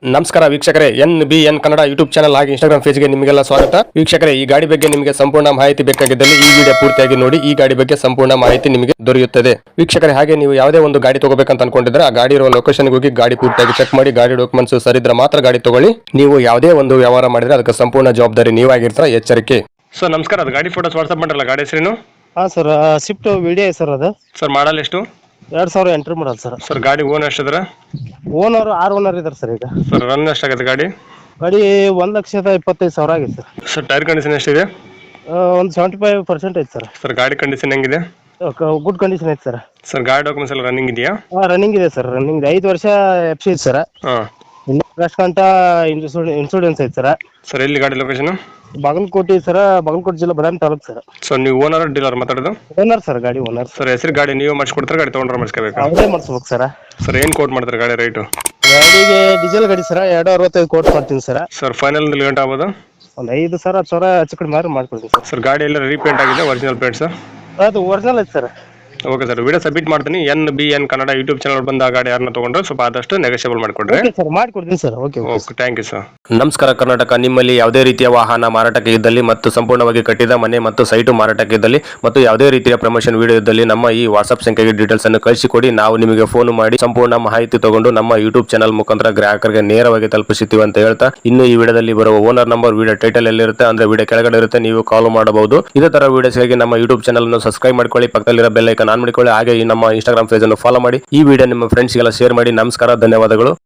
ನಮಸ್ಕಾರ ವೀಕ್ಷಕರೇ, NBN Kannada YouTube channel ಹಾಗೆ ಇನ್ಸ್ಟಾಗ್ರಾಮ್ ಪೇಜ್ಗೆ ನಿಮಗೆಲ್ಲ ಸ್ವಾಗತ. ವೀಕ್ಷಕರೇ, ಈ ಗಾಡಿ ಬಗ್ಗೆ ನಿಮಗೆ ಸಂಪೂರ್ಣ ಮಾಹಿತಿ ಬೇಕಾಗಿದ್ದಲ್ಲಿ ಈ ವಿಡಿಯೋ ಪೂರ್ತಿಯಾಗಿ ನೋಡಿ. ಈ ಗಾಡಿ ಬಗ್ಗೆ ಸಂಪೂರ್ಣ ಮಾಹಿತಿ ನಿಮಗೆ ದೊರೆಯುತ್ತದೆ. ವೀಕ್ಷಕರೇ, ಹಾಗೆ ನೀವು ಯಾವುದೇ ಒಂದು ಗಾಡಿ ತಗೋಬೇಕಂತ ಅನ್ಕೊಂಡಿದ್ರೆ ಆ ಗಾಡಿ ಇರುವ ಲೊಕೇಶನ್ಗೆ ಹೋಗಿ ಗಾಡಿ ಪೂರ್ತಿಯಾಗಿ ಚೆಕ್ ಮಾಡಿ ಗಾಡಿ ಡಾಕ್ಯುಮೆಂಟ್ಸ್ ಸರಿದ್ರೆ ಮಾತ್ರ ಗಾಡಿ ತಗೊಳ್ಳಿ. ನೀವು ಯಾವುದೇ ಒಂದು ವ್ಯವಹಾರ ಮಾಡಿದ್ರೆ ಅದಕ್ಕೆ ಸಂಪೂರ್ಣ ಜವಾಬ್ದಾರಿ ನೀವಾಗಿರ್ತೀರ, ಎಚ್ಚರಿಕೆ. ಸರ್ ನಮಸ್ಕಾರ, ಅದು ಗಾಡಿ ಫೋಟೋಸ್ ವಾಟ್ಸ್ಆಪ್ ಮಾಡಲ್ಲ, ಗಾಡಿ ಹೆಸರೇನು? ಹಾಂ ಸರ್, ಸ್ವಿಫ್ಟ್ ವಿಡಿಯೋ ಸರ್ ಅದು. ಸರ್ ಮಾಡಲ್ ಎಷ್ಟು? 2008 ಮಾಡಲ್ ಸರ್. ಸರ್ ಗಾಡಿ ಓನ್ ಎಷ್ಟಿದ್ರೆ? ಓನರ್ 6 ಓನರ್ ಇದ್ದಾರೆ ಸರ್. ಈಗ ಸರ್ ರನ್ ಎಷ್ಟಾಗುತ್ತೆ ಗಾಡಿ? ಗಾಡಿ 1,25,000 ಆಗಿದೆ ಸರ್. ಸರ್ ಟೈರ್ ಕಂಡೀಷನ್ ಎಷ್ಟಿದೆ? ಒಂದು 75% ಐತೆ ಸರ್. ಸರ್ ಗಾಡಿ ಕಂಡೀಷನ್ ಹೆಂಗಿದೆ? ಗುಡ್ ಕಂಡೀಷನ್ ಐತೆ ಸರ್. ಸರ್ ಗಾಡಿ ಡಾಕ್ಯುಮೆಂಟ್ಸ್ ಎಲ್ಲ ರನ್ನಿಂಗ್ ಇದೆಯಾ? ರನ್ನಿಂಗ್ ಇದೆ ಸರ್. ರನ್ನಿಂಗ್ 5 ವರ್ಷ FC ಐತೆ ಸರ್. ಹಾಂ. ಇನ್ನು ಆಗಸ್ಟ್ ಗಂಟ ಇನ್ಶೂರೆನ್ಸ್ ಐತೆ ಸರ್. ಸರ್ ಎಲ್ಲಿ ಗಾಡಿ ಲೊಕೇಶನ್? ಬಾಗಲಕೋಟೆ ಸರ್, ಬಾಗಲಕೋಟೆ ಜಿಲ್ಲೆ ಬದಾಮಿ ತಾಲೂಕು ಸರ್. ಸರ್ ನೀವು ಓನರ್ ಡೀಲರ್ ಮಾತಾಡೋದು? ಓನರ್ ಸರ್, ಗಾಡಿ ಓನರ್. ಸರ್ ಹೆಸರು ಗಾಡಿ ನೀವು ಮಾಡಿಸ್ಕೊಡ್ತಾರೆ, ಗಾಡಿ ತೊಗೊಂಡ್ರೆ ಮಾಡಿಸ್ಕೋಬೇಕಾ? ಅವರೇ ಮಾಡಿಸ್ಬೇಕು ಸರ್. ಸರ್ ಏನು ಕೋಟ್ ಮಾಡ್ತಾರೆ ಗಾಡಿ ರೇಟು? ಗಾಡಿಗೆ ಡೀಸೆಲ್ ಗಾಡಿ ಸರ್, 265 ಕೋಟ್ ಮಾಡ್ತೀನಿ ಸರ್. ಸರ್ ಫೈನಲ್ ಗಂಟೆ ಆಗ್ಬೋದು? ಒಂದು 5,000 ಹೆಚ್ಚು ಕಡಿಮೆ ಮಾಡ್ಕೊಡ್ತೀನಿ ಸರ್. ಸರ್ ಗಾಡಿ ಎಲ್ಲ ರೀಪೇಂಟ್ ಆಗಿದೆ, ಒರಿಜಿನಲ್ ಪೇಂಟ್ ಸರ್? ಅದು ಒರಿಜಿನಲ್ ಐತೆ sir. Okay sir, video submit ಮಾಡ್ತೀನಿ. NBN ಕನ್ನಡ ಯೂಟ್ಯೂಬ್ ಚಾನಲ್ ಬಂದ ಆ ಗಾಡಿ ಯಾರನ್ನ ತೊಗೊಂಡ್ರೆ ಸ್ವಲ್ಪ ಆದಷ್ಟು ನೆಗೋಷಿಯಬಲ್ ಮಾಡಿಕೊಡ್ರಿ. ಓಕೆ ಸರ್, ಮಾಡ್ಕೊಡ್ತೀನಿ sir. Okay okay, thank you sir. ನಮಸ್ಕಾರ ಕರ್ನಾಟಕ. ನಿಮ್ಮಲ್ಲಿ ಯಾವುದೇ ರೀತಿಯ ವಾಹನ ಮಾರಾಟಕ್ಕೆ ಇದ್ದಲ್ಲಿ ಮತ್ತು ಸಂಪೂರ್ಣವಾಗಿ ಕಟ್ಟಿದ ಮನೆ ಮತ್ತು ಸೈಟು ಮಾರಾಟಕ್ಕೆ ಇದ್ದಲ್ಲಿ ಮತ್ತು ಯಾವುದೇ ರೀತಿಯ ಪ್ರಮೋಷನ್ ವಿಡಿಯೋ ಇದ್ದಲ್ಲಿ ನಮ್ಮ ಈ ವಾಟ್ಸ್ಆಪ್ ಸಂಖ್ಯೆಗೆ ಡೀಟೇಲ್ಸ್ ಅನ್ನು ಕಳಿಸಿಕೊಡಿ. ನಾವು ನಿಮಗೆ ಫೋನ್ ಮಾಡಿ ಸಂಪೂರ್ಣ ಮಾಹಿತಿ ತಗೊಂಡು ನಮ್ಮ ಯೂಟ್ಯೂಬ್ ಚಾನಲ್ ಮುಖಾಂತರ ಗ್ರಾಹಕರಿಗೆ ನೇರವಾಗಿ ತಲುಪಿಸುತ್ತೀವಿ ಅಂತ ಹೇಳ್ತಾ, ಇನ್ನು ಈ ವಿಡಿಯೋದಲ್ಲಿ ಬರುವ ಓನರ್ ನಂಬರ್ ವಿಡಿಯೋ ಟೈಟಲ್ ಎಲ್ಲಿರುತ್ತೆ ಅಂದ್ರೆ ವಿಡಿಯೋ ಕೆಳಗಡೆ ಇರುತ್ತೆ, ನೀವು ಕಾಲ್ ಮಾಡಬಹುದು. ಇದೇ ತರ ವಿಡಿಯೋಸ್ಗಾಗಿ ನಮ್ಮ ಯೂಟ್ಯೂಬ್ ಚಾನಲ್ ಅನ್ನು ಸಬ್ಸ್ಕ್ರೈಬ್ ಮಾಡ್ಕೊಳ್ಳಿ, ಪಕ್ಕದಲ್ಲಿರೋ ಬೆಲ್ ಐಕಾನ್ ಆನ್ ಮಾಡಿಕೊಳ್ಳಿ. ಹಾಗೆ ನಮ್ಮ ಇನ್ಸ್ಟಾಗ್ರಾಮ್ ಪೇಜ್ ಅನ್ನು ಫಾಲೋ ಮಾಡಿ. ಈ ವಿಡಿಯೋ ನಿಮ್ಮ ಫ್ರೆಂಡ್ಸ್ಗೆಲ್ಲ ಶೇರ್ ಮಾಡಿ. ನಮಸ್ಕಾರ, ಧನ್ಯವಾದಗಳು.